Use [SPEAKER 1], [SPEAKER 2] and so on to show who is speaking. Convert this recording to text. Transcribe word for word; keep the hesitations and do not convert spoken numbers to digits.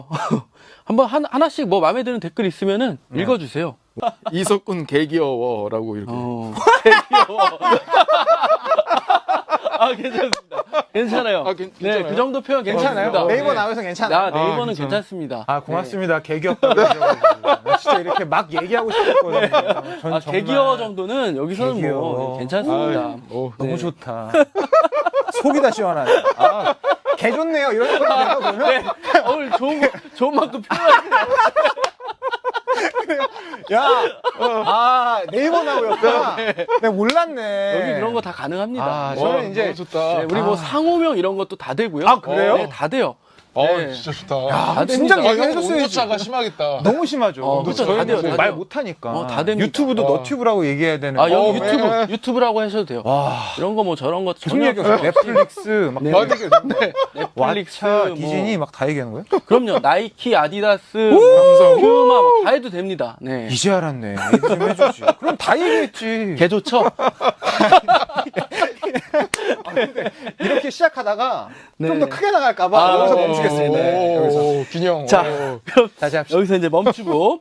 [SPEAKER 1] 한번 한, 하나씩 뭐 마음에 드는 댓글 있으면은
[SPEAKER 2] 네.
[SPEAKER 1] 읽어주세요.
[SPEAKER 2] 이석군 개귀여워라고 이렇게.
[SPEAKER 1] 어, 귀여워. 아, 괜찮습니다. 괜찮아요.
[SPEAKER 2] 아, 괜-
[SPEAKER 1] 네,
[SPEAKER 2] 괜찮아요?
[SPEAKER 1] 그 정도 표현 괜찮아요.
[SPEAKER 3] 괜찮아요? 네이버
[SPEAKER 1] 네.
[SPEAKER 3] 나와서 괜찮아요?
[SPEAKER 1] 나 네이버는
[SPEAKER 2] 아, 괜찮아요?
[SPEAKER 1] 괜찮습니다.
[SPEAKER 3] 아 고맙습니다. 개귀엽다고 해주셔가지고. 나 진짜 이렇게 막 얘기하고 싶었거든요. 전
[SPEAKER 1] 아,
[SPEAKER 3] 정말
[SPEAKER 1] 개귀여워 정도는 여기서는
[SPEAKER 3] 개귀여워.
[SPEAKER 1] 뭐 괜찮습니다.
[SPEAKER 2] 아, 어.
[SPEAKER 3] 너무
[SPEAKER 1] 네.
[SPEAKER 3] 좋다. 속이 다 시원하네. 아, 개 좋네요. 이런 거 내가 보면.
[SPEAKER 1] 네, 오늘 좋은, 좋은 만큼 표현하시네요.
[SPEAKER 3] 야, 아 네이버 나오였구나. 내가 몰랐네.
[SPEAKER 1] 여기 그런 거 다 가능합니다.
[SPEAKER 3] 아,
[SPEAKER 1] 네.
[SPEAKER 2] 와,
[SPEAKER 3] 저는 이제
[SPEAKER 2] 너무 좋다.
[SPEAKER 1] 네, 우리 뭐
[SPEAKER 3] 아.
[SPEAKER 1] 상호명 이런 것도 다 되고요.
[SPEAKER 3] 아, 그래요?
[SPEAKER 1] 네, 다 돼요.
[SPEAKER 2] 어,
[SPEAKER 1] 네.
[SPEAKER 2] 진짜 좋다.
[SPEAKER 3] 아,
[SPEAKER 1] 됩니다.
[SPEAKER 3] 진작
[SPEAKER 2] 아, 형
[SPEAKER 3] 얘기해줬어야지.
[SPEAKER 2] 온도차가 심하겠다.
[SPEAKER 3] 너무 심하죠.
[SPEAKER 1] 어, 그쵸,
[SPEAKER 3] 저희는
[SPEAKER 1] 다 돼요,
[SPEAKER 3] 뭐
[SPEAKER 1] 다
[SPEAKER 3] 말
[SPEAKER 1] 돼요.
[SPEAKER 3] 못하니까.
[SPEAKER 1] 어, 다 됩니다.
[SPEAKER 3] 유튜브도
[SPEAKER 2] 와.
[SPEAKER 3] 너튜브라고 얘기해야 되는.
[SPEAKER 1] 아, 여기
[SPEAKER 2] 어,
[SPEAKER 1] 유튜브,
[SPEAKER 2] 네.
[SPEAKER 1] 유튜브라고 하셔도 돼요.
[SPEAKER 3] 와.
[SPEAKER 1] 이런 거 뭐 저런 거
[SPEAKER 3] 무슨
[SPEAKER 1] 전혀
[SPEAKER 3] 얘기였어? 넷플릭스, 막
[SPEAKER 1] 네.
[SPEAKER 3] 그런 얘기였어.
[SPEAKER 1] 넷플릭스,
[SPEAKER 3] 왓챠,
[SPEAKER 1] 뭐.
[SPEAKER 3] 디즈니 막 다 얘기하는 거예요?
[SPEAKER 1] 그럼요. 나이키, 아디다스,
[SPEAKER 2] 삼성.
[SPEAKER 1] 퓨마 뭐 다 해도 됩니다. 네.
[SPEAKER 3] 이제 알았네. 얘기 좀 해주지. 그럼 다 얘기했지.
[SPEAKER 1] 개 좋죠?
[SPEAKER 3] 이렇게 시작하다가
[SPEAKER 1] 네.
[SPEAKER 3] 좀 더 크게 나갈까봐
[SPEAKER 1] 아,
[SPEAKER 3] 여기서
[SPEAKER 1] 네.
[SPEAKER 3] 멈추겠습니다. 네, 여기서.
[SPEAKER 2] 오, 균형.
[SPEAKER 1] 자,
[SPEAKER 2] 오.
[SPEAKER 1] 그럼
[SPEAKER 3] 다시 합시다.
[SPEAKER 1] 여기서 이제 멈추고